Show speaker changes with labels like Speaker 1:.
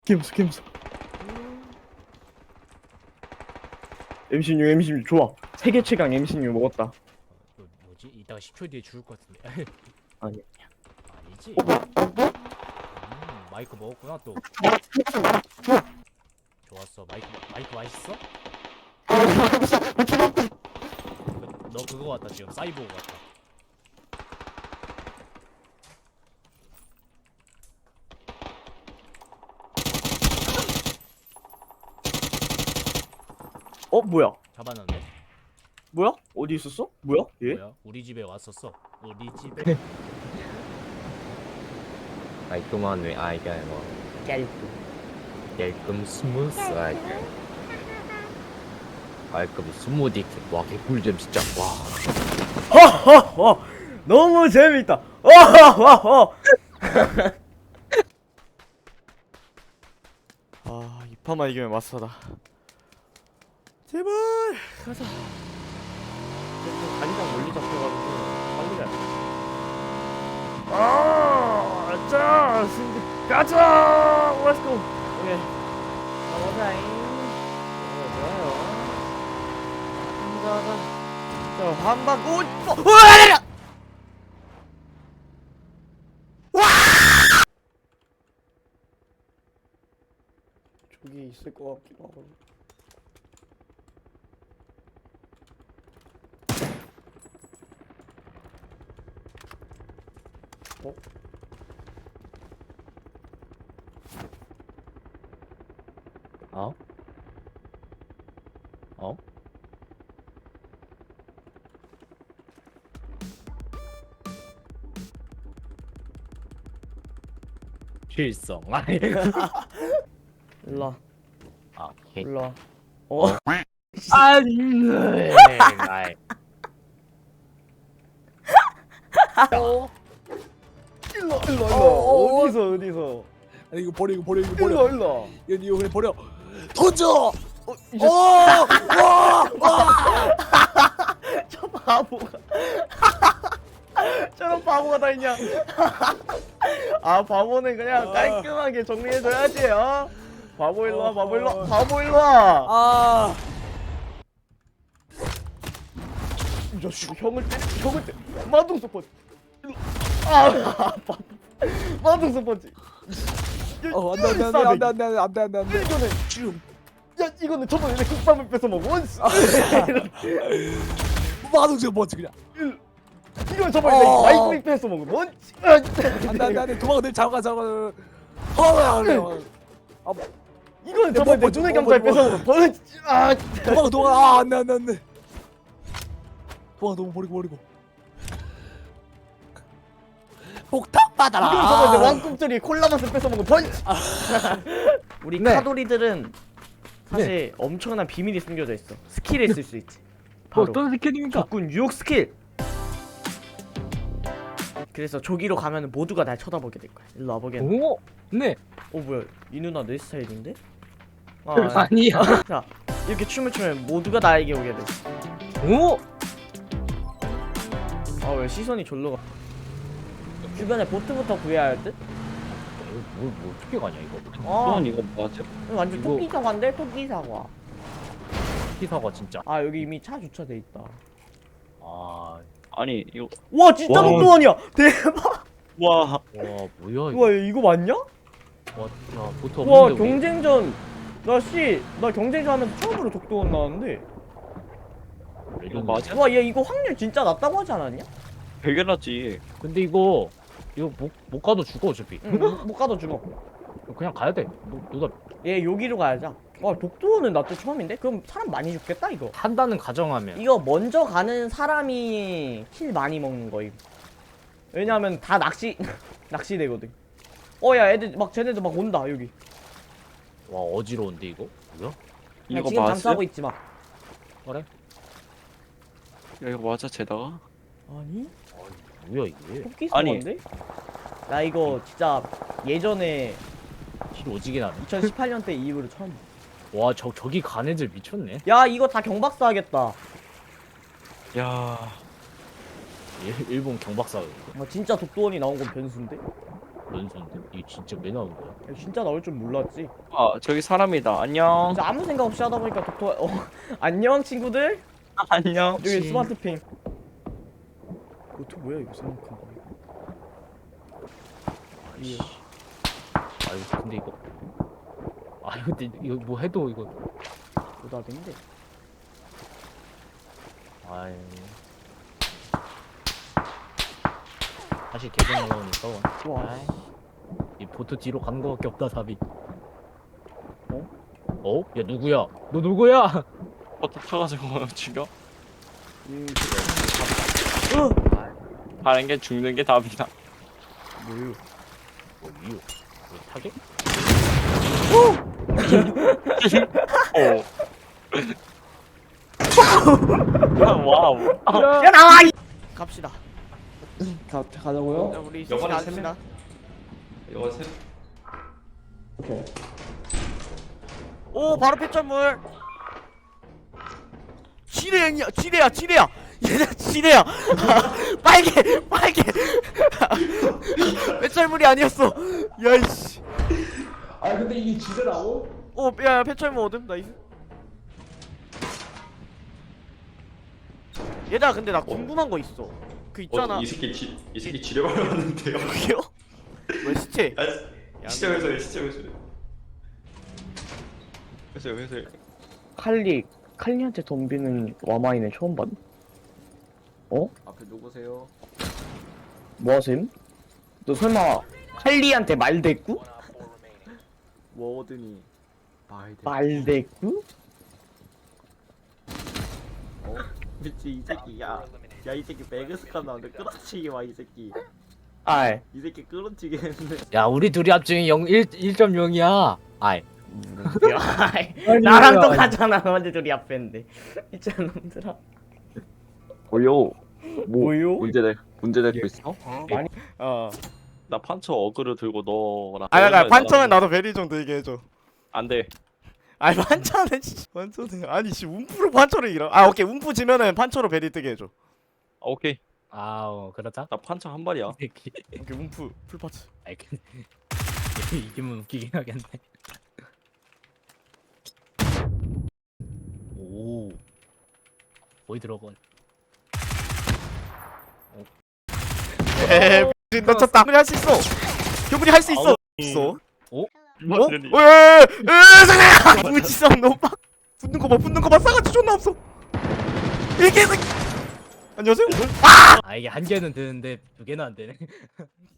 Speaker 1: 개무서. M16 좋아. 세계 최강 M16 먹었다.
Speaker 2: 너 뭐지? 이따가 10초 뒤에 죽을 것 같은데.
Speaker 1: 아니.
Speaker 2: 아니지? 마이크 먹었구나 또. 좋았어. 마이크 맛있어? 너 그거 같다 지금 사이보그 같다.
Speaker 1: 뭐야?
Speaker 2: 잡아놨네.
Speaker 1: 뭐야? 어디 있었어? 뭐야? 얘?
Speaker 2: 뭐야? 우리 집에 왔었어. 우리 집에.
Speaker 3: 깔끔한 왜 이게 뭐 깔끔 스무스하게 깔끔 스무디 와 개꿀잼 진짜 와
Speaker 1: 허허허 너무 재밌다. 허허허. 이 판만 이기면 마스터다. 제발 가자. 자기장 멀리 잡혀가지고 빨리 가야 자 승리 가자. Let's go. 오케이. 가보자잉. 좋아요. 가자. 자 한방 오. 저기 있을 것 같기도 하고.
Speaker 3: 어? 어? 실성 아니
Speaker 1: 일로
Speaker 3: 오케이
Speaker 1: 일로
Speaker 3: 안돼 아이
Speaker 1: 일로 어디서
Speaker 4: 아니 이거 버려 이거
Speaker 1: 일로
Speaker 4: 이거 그냥 버려 던져
Speaker 1: 이제 저 바보가 저런 바보가 다 있냐. 바보는 그냥 깔끔하게 정리해줘야지. 바보 일로와 바보 일로와. 이 자식 형을 때려 마동석 펀치. 마동석 펀치.
Speaker 4: 안돼
Speaker 1: 이거는
Speaker 4: 지금
Speaker 1: 야 이거는 저번에 내 국밥을 뺏어 먹어.
Speaker 4: 마동석 버지 그냥
Speaker 1: 이건 저번에 내 마이크를 뺏어 먹어. 뭔지.
Speaker 4: 안돼 도망가 내 잡아
Speaker 1: 이거는 저번에 내 눈의 감자를 뺏어 먹어. 뭔지.
Speaker 4: 도망가 안돼 도망가 너무 버리고 폭탄 받아라
Speaker 1: 이건 저번에 내 왕꿈틀이 콜라 맛을 뺏어 먹어. 뭔지. 우리
Speaker 3: 네.
Speaker 1: 카도리들은 사실 엄청난 비밀이 숨겨져 있어. 스킬을 쓸 수 있지. 바로
Speaker 3: 어떤 스킬입니까?
Speaker 1: 적군 유혹 스킬. 그래서 저기로 가면 모두가 날 쳐다보게 될 거야. 일로 와보겠네.
Speaker 3: 오? 네
Speaker 1: 뭐야 이 누나 내 스타일인데?
Speaker 3: 아니야
Speaker 1: 자 이렇게 춤을 추면 모두가 나에게 오게 돼.
Speaker 3: 오?
Speaker 1: 왜 시선이 절로 가? 주변에 보트부터 구해야 할 듯?
Speaker 3: 뭐 어떻게 가냐 이거
Speaker 1: 아
Speaker 3: 이거 맞아?
Speaker 1: 완전
Speaker 3: 이거-
Speaker 1: 토끼 사과인데? 토끼 사과.
Speaker 3: 피사가 진짜
Speaker 1: 여기 이미 차 주차돼 있다.
Speaker 3: 아니 이거
Speaker 1: 와 진짜
Speaker 3: 와.
Speaker 1: 독도원이야. 대박.
Speaker 3: 와 뭐야 이거
Speaker 1: 와 이거 맞냐?
Speaker 3: 야 보트
Speaker 1: 와
Speaker 3: 없는데 우리?
Speaker 1: 경쟁전 나 경쟁전 하면서 처음으로 독도원 나왔는데.
Speaker 3: 이거 맞아?
Speaker 1: 와 얘 이거 확률 진짜 낮다고 하지 않았냐?
Speaker 5: 발견하지.
Speaker 3: 근데 이거 못 가도 죽어 어차피
Speaker 1: 응, 못 가도 죽어.
Speaker 3: 그냥 가야 돼 누가
Speaker 1: 얘 여기로 가야죠. 독도원은 나 또 처음인데? 그럼 사람 많이 죽겠다 이거.
Speaker 3: 한다는 가정하면
Speaker 1: 이거 먼저 가는 사람이 킬 많이 먹는 거 이거. 왜냐면 다 낚시되거든. 야 애들 막 쟤네들 막 온다 여기.
Speaker 3: 와 어지러운데 이거 뭐야?
Speaker 1: 그냥
Speaker 5: 이거
Speaker 1: 지금
Speaker 5: 맞아?
Speaker 1: 잠수하고 있지 막.
Speaker 3: 그래?
Speaker 5: 야 이거 맞아 쟤다가?
Speaker 1: 아니?
Speaker 3: 뭐야 이게
Speaker 1: 토끼
Speaker 5: 아니.
Speaker 1: 사과인데? 나 이거 진짜 예전에
Speaker 3: 실 오지게 나네
Speaker 1: 2018년 때 이후로 처음.
Speaker 3: 와 저기 간 애들 미쳤네
Speaker 1: 야 이거 다 경박사 하겠다.
Speaker 5: 야
Speaker 3: 일본 경박사
Speaker 1: 진짜 독도원이 나온 건 변수인데?
Speaker 2: 연수인데 이게 진짜 왜 나오는 거야?
Speaker 1: 야, 진짜 나올 줄 몰랐지.
Speaker 5: 아 저기 사람이다. 안녕.
Speaker 1: 진짜 아무 생각 없이 하다 보니까 독토 안녕 친구들.
Speaker 5: 안녕.
Speaker 1: 여기 스마트핑. 뭐야 이거 생각한 거.
Speaker 2: 아이씨. 아유 근데 이거. 아유 근데 이거 뭐 해도 이거.
Speaker 1: 오답인데.
Speaker 2: 아유. 다시 계속 올라오니까.
Speaker 1: 와.
Speaker 2: 아이. 이 보트 뒤로 가는 거밖에 없다 답이.
Speaker 1: 어?
Speaker 2: 어? 야 누구야? 너 누구야?
Speaker 5: 버터 타가지고 죽여.
Speaker 1: 으.
Speaker 5: 다른 게 죽는 게 답이다.
Speaker 1: 뭐유?
Speaker 2: 뭐 이유? 뭐 타겟?
Speaker 5: 어. 와우.
Speaker 1: 야 나와. 갑시다.
Speaker 4: 가자고요?
Speaker 1: 우리
Speaker 5: 영화를
Speaker 1: 갑시다.
Speaker 5: 이거 세.
Speaker 4: 오케이.
Speaker 1: 오 바로 폐철물. 지뢰야 지뢰야. 얘네 지뢰야. 빨개. 폐철물이 아니었어. 야이씨.
Speaker 4: 아 근데 이게 지대라고?
Speaker 1: 야 폐철물 얻음 나이스. 얘들아 근데 나 궁금한 거 있어. 그 있잖아.
Speaker 6: 이 새끼 지뢰 발견했는데요.
Speaker 1: 그게요? 왜 시체?
Speaker 6: 시점에서
Speaker 5: 회수해.
Speaker 1: 칼리한테 덤비는 와마이는 처음 봤네. 어?
Speaker 6: 앞에 누구세요?
Speaker 1: 뭐하셈? 너 설마 칼리한테 말대꾸?
Speaker 6: 워든이
Speaker 1: 말대꾸?
Speaker 6: 미치 이 새끼 야 이 새끼 매그스카 나오는데 끌어치기 와 이 새끼
Speaker 1: 아이
Speaker 6: 이 새끼 끌어치기 했는데
Speaker 2: 야 우리 둘이 합치면 1.0이야. 아이.
Speaker 1: 나랑 똑같잖아. 언제 둘이 앞에인데 있잖아 놈들아.
Speaker 3: 뭐요?
Speaker 1: 뭐요?
Speaker 3: 문제 될거 있어?
Speaker 5: 나 판처 어그를 들고 너랑.
Speaker 7: 판처는 나도 베리 좀 들게 해줘.
Speaker 5: 안 돼.
Speaker 7: 아니 판처는 판처는 아니 움프로 판처를 이러. 오케이 움프 지면은 판처로 베리 뜨게 해줘.
Speaker 5: 오케이.
Speaker 2: 아우 그렇다.
Speaker 5: 나 판처 한 발이야.
Speaker 2: 이 새끼.
Speaker 7: 오케이 움프 풀파츠.
Speaker 2: 아이 근데 이기면 웃기긴 하겠네. 오. 거의 들어건.
Speaker 7: 에이 놓쳤다. 교분이 할 수 있어. 교분이 할 수 있어. 있어.
Speaker 2: 오?
Speaker 7: 어? 왜? 잠깐. 무지성 너무 빡. 붙는 거 봐. 싸가지 존나 없어. 이 개새끼. 안녕하세요.
Speaker 2: 아 이게 한 개는 되는데 두 개는 안 되네.